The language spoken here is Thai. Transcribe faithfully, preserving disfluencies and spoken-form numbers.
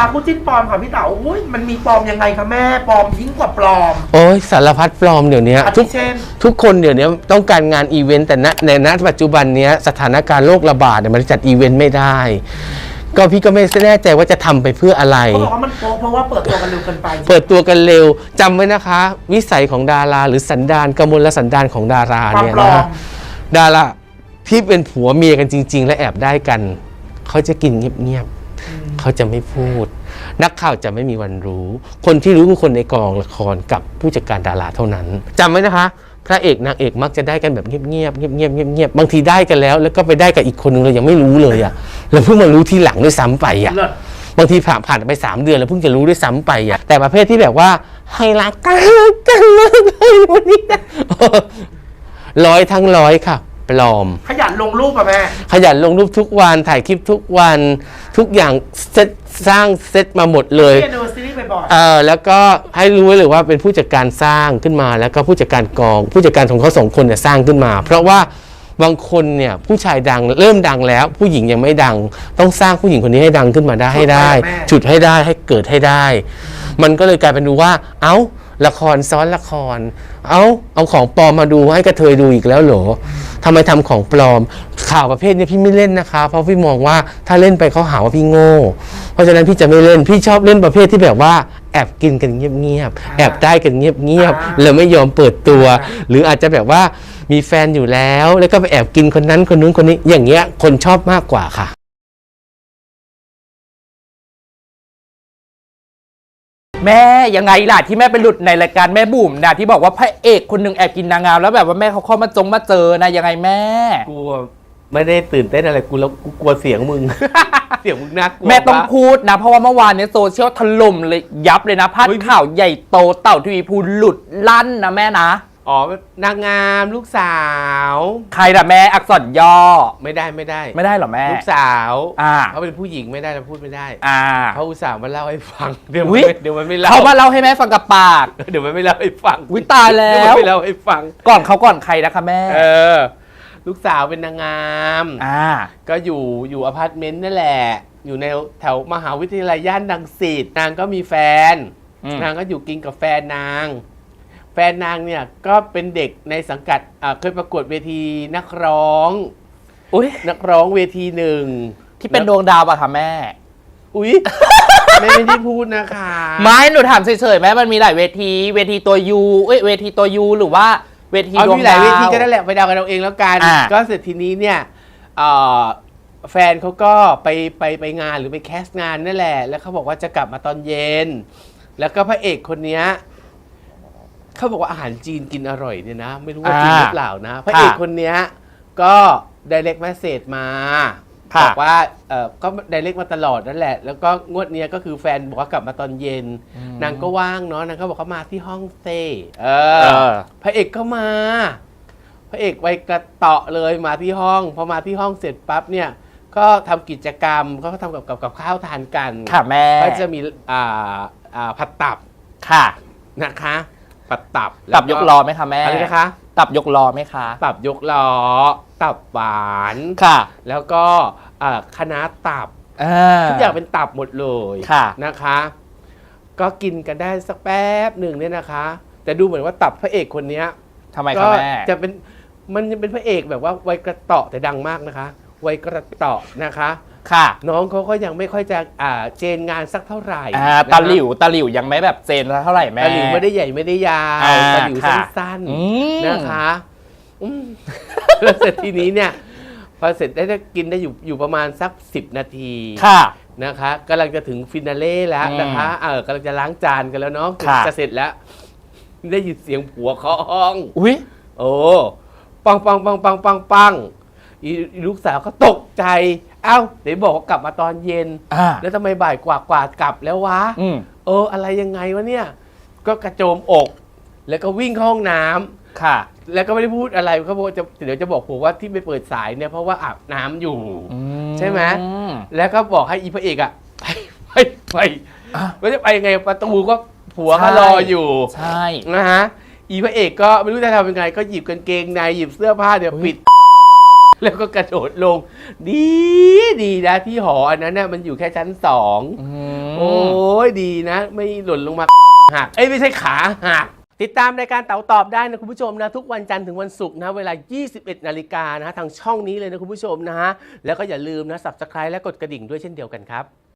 คู่จิ้นปลอมค่ะพี่เต๋าอุ้ยมันมีปลอมยังไงคะแม่ปลอมยิ่งกว่าปลอมโอ้ยสารพัดปลอมเดี๋ยวนี้ทุกทุกคนเดี๋ยวนี้ต้องการงานอีเวนต์แต่ณในณปัจจุบันนี้สถานการณ์โรคระบาดเนี่ยมันจัดอีเวนต์ไม่ได้ก็พี่ก็ไม่แน่ใจว่าจะทำไปเพื่ออะไรเขาบอกว่ามันโป๊เพราะว่าเปิดตัวกันเร็วเกินไปเปิดตัวกันเร็วจำไว้นะคะวิสัยของดาราหรือสันดานกมลสันดานของดาราเนี่ยนะดาราที่เป็นผัวเมียกันจริงๆและแอบได้กันเขาจะกินเงียบๆเขาจะไม่พูดนักข่าวจะไม่มีวันรู้คนที่รู้คือคนในกองละครกับผู้จัดการดาราเท่านั้นจำไว้นะคะพระเอกนางเอกมักจะได้กันแบบเงียบๆเงียบๆเงียบๆเงียบๆบางทีได้กันแล้วแล้วก็ไปได้กับอีกคนนึงเรายังไม่รู้เลยอ่ะเราเพิ่งมารู้ทีหลังด้วยซ้ำไปอ่ะบางทีผ่านผ่านไปสามเดือนแล้วเพิ่งจะรู้ด้วยซ้ำไปอ่ะแต่ประเภทที่แบบว่าให้รักกันกันเลยวันนี้นะร้อยทั้งร้อยค่ะปลอมขยันลงรูปอ่ะแม่ขยันลงรูปทุกวันถ่ายคลิปทุกวันทุกอย่างเซตสร้างเซตมาหมดเลยดูซีรีส์บ่อยๆเออแล้วก็ให้รู้ไว้เลยว่าเป็นผู้จัดการสร้างขึ้นมาแล้วก็ผู้จัดการกองผู้จัดการของเขาสองคนเนี่ยสร้างขึ้นมาเพราะว่าบางคนเนี่ยผู้ชายดังเริ่มดังแล้วผู้หญิงยังไม่ดังต้องสร้างผู้หญิงคนนี้ให้ดังขึ้นมาได้ให้ได้ฉุดให้ได้ให้เกิดให้ได้มันก็เลยกลายเป็นดูว่าเอ้าละครซ้อนละครเอาเอาของปลอมมาดูให้กระเทยดูอีกแล้วเหรอทำไมทำของปลอมข่าวประเภทนี้พี่ไม่เล่นนะคะเพราะพี่มองว่าถ้าเล่นไปเขาหาว่าพี่โง่เพราะฉะนั้นพี่จะไม่เล่นพี่ชอบเล่นประเภทที่แบบว่าแอบกินกันเงียบๆแอบได้กันเงียบๆแล้วไม่ยอมเปิดตัวหรืออาจจะแบบว่ามีแฟนอยู่แล้วแล้วก็ไปแอบกินคนนั้นคนนู้นคนนี้อย่างเงี้ยคนชอบมากกว่าค่ะแม่ยังไงล่ะที่แม่ไปหลุดในรายการแม่บุ๋มนะที่บอกว่าพระเอกคนหนึ่งแอบกินนางงามแล้วแบบว่าแม่เขาเข้ามาจงมาเจอนะยังไงแม่กลัวไม่ได้ตื่นเต้นอะไรกูแล้วกูกลัวเสียงมึง เสียงมึงน่ากลัวแม่ต้องพูดนะเพราะว่าเมื่อวานนี้โซเชียลถล่มเลยยับเลยนะพาดข่าวใหญ่โตเต่าทีวีพูหลุดลั่นนะแม่นะอ๋อนางงามลูกสาวใครล่ะแม่อักษรย่อไม่ได้ไม่ได้ไม่ได้หรอแม่ลูกสาวอ่าเขาเป็นผู้หญิงไม่ได้เราพูดไม่ได้อ่าเขาอุตส่าห์มาเล่าให้ฟังเดี๋ยวเดี๋ยวมันไม่เล่าเขามาเล่าให้แม่ฟังกับปากเดี๋ยวมันไม่เล่าให้ฟังวิตายแล้วไม่เล่าให้ฟังก่อนเขาก่อนใครนะคะแม่เออลูกสาวเป็นนางงามอ่าก็อยู่อยู่อพาร์ตเมนต์นั่นแหละอยู่ในแถวมหาวิทยาลัยย่านรังสิตนางก็มีแฟนนางก็อยู่กินกับแฟนนางแฟนนางเนี่ยก็เป็นเด็กในสังกัดเคยประกวดเวทีนักร้องอุ้ยนักร้องเวทีหนึ่งที่เป็นดวงดาวป่ะคะแม่อุ้ยไม่ได้พูดนะคะไม่หนูถามเฉยๆแม่มันมีหลายเวทีเวทีตัวยูเอ้ยเวทีตัวยูหรือว่าเวทีดวงดาวมีหลายเวทีก็ได้แหละไปเดากันเอาเองแล้วกันก็เสร็จทีนี้เนี่ยแฟนเขาก็ไปไปไปงานหรือไปแคสต์งานนั่นแหละแล้วเขาบอกว่าจะกลับมาตอนเย็นแล้วก็พระเอกคนนี้เขาบอกว่าอาหารจีนกินอร่อยเนี่ยนะไม่รู้ว่าจริงหรือเปล่านะพระเอกคนนี้ก็ direct message มาบอกว่าเออก็ direct มาตลอดนั่นแหละแล้วก็งวดนี้ก็คือแฟนบอกว่ากลับมาตอนเย็นนางก็ว่างเนาะนางก็บอกเขามาที่ห้องเซ่เออพระเอกก็มาพระเอกไวกระเตาะเลยมาที่ห้องพอมาที่ห้องเสร็จปั๊บเนี่ยก็ทำกิจกรรมเขาก็ทำกับกับข้าวทานกันค่ะแม่ก็จะมีอ่าอ่าผัดตับค่ะนะคะตับตับตับยกล้อไหมคะแม่อะไรนะคะตับยกล้อไหมคะตับยกล้อตับหวานค่ะแล้วก็คณะตับทุกอย่างเป็นตับหมดเลยนะคะก็กินกันได้สักแป๊บหนึ่งเนี่ยนะคะแต่ดูเหมือนว่าตับพระเอกคนนี้ทำไมคะแม่จะเป็นมันจะเป็นพระเอกแบบว่าไวกระเตาะแต่ดังมากนะคะไวกระเตาะนะคะค่ะน้องเขาก็ยังไม่ค่อยจะอ่าเจนงานสักเท่าไหร่ตาหลิวตาหลิวยังไม่แบบเจนเท่าไหร่แม่ตาหลิวไม่ได้ใหญ่ไม่ได้ยาวตาหลิวสั้นๆนะคะแล้วเสร็จทีนี้เนี่ยพอเสร็จได้กินได้อยู่อยู่ประมาณสักสิบนาทีค่ะนะคะกำลังจะถึงฟินาเล่แล้วนะคะเออกำลังจะล้างจานกันแล้วเนาะจะเสร็จแล้วได้ยินเสียงผัวเคาะห้องอุ้ยโอ้ปังปังปังปังปังปังลูกสาวก็ตกใจเอ้าไหนบอกว่ากลับมาตอนเย็นแล้วทำไมบ่ายกว่ากว่ากลับแล้ววะเอออะไรยังไงวะเนี่ยก็กระโจมอกแล้วก็วิ่งเข้าห้องน้ำค่ะแล้วก็ไม่ได้พูดอะไรเขาบอกจะเดี๋ยวจะบอกผมว่าที่ไม่เปิดสายเนี่ยเพราะว่าอาบน้ำอยู่ใช่ไหมแล้วก็บอกให้อีพระเอกอ่ะไปไปไปว่าจะไปยังไงประตูก็ผัวเขารออยู่ใช่นะฮะอีพระเอกก็ไม่รู้จะทำยังไงก็หยิบกางเกงในหยิบเสื้อผ้าเดี๋ยวปิดแล้วก็กระโดดลงดีดีนะที่หออันนั้นเนี่ยมันอยู่แค่ชั้นสองโอ้ยดีนะ ไม่หล่นลงมาหักเอ้ยไม่ใช่ขาหักติดตามรายการเต๋าตอบได้นะคุณผู้ชมนะทุกวันจันทร์ถึงวันศุกร์นะเวลา ยี่สิบเอ็ดนาฬิกานะทางช่องนี้เลยนะคุณผู้ชมนะฮะแล้วก็อย่าลืมนะ ซับสไครบ์ และกดกระดิ่งด้วยเช่นเดียวกันครับ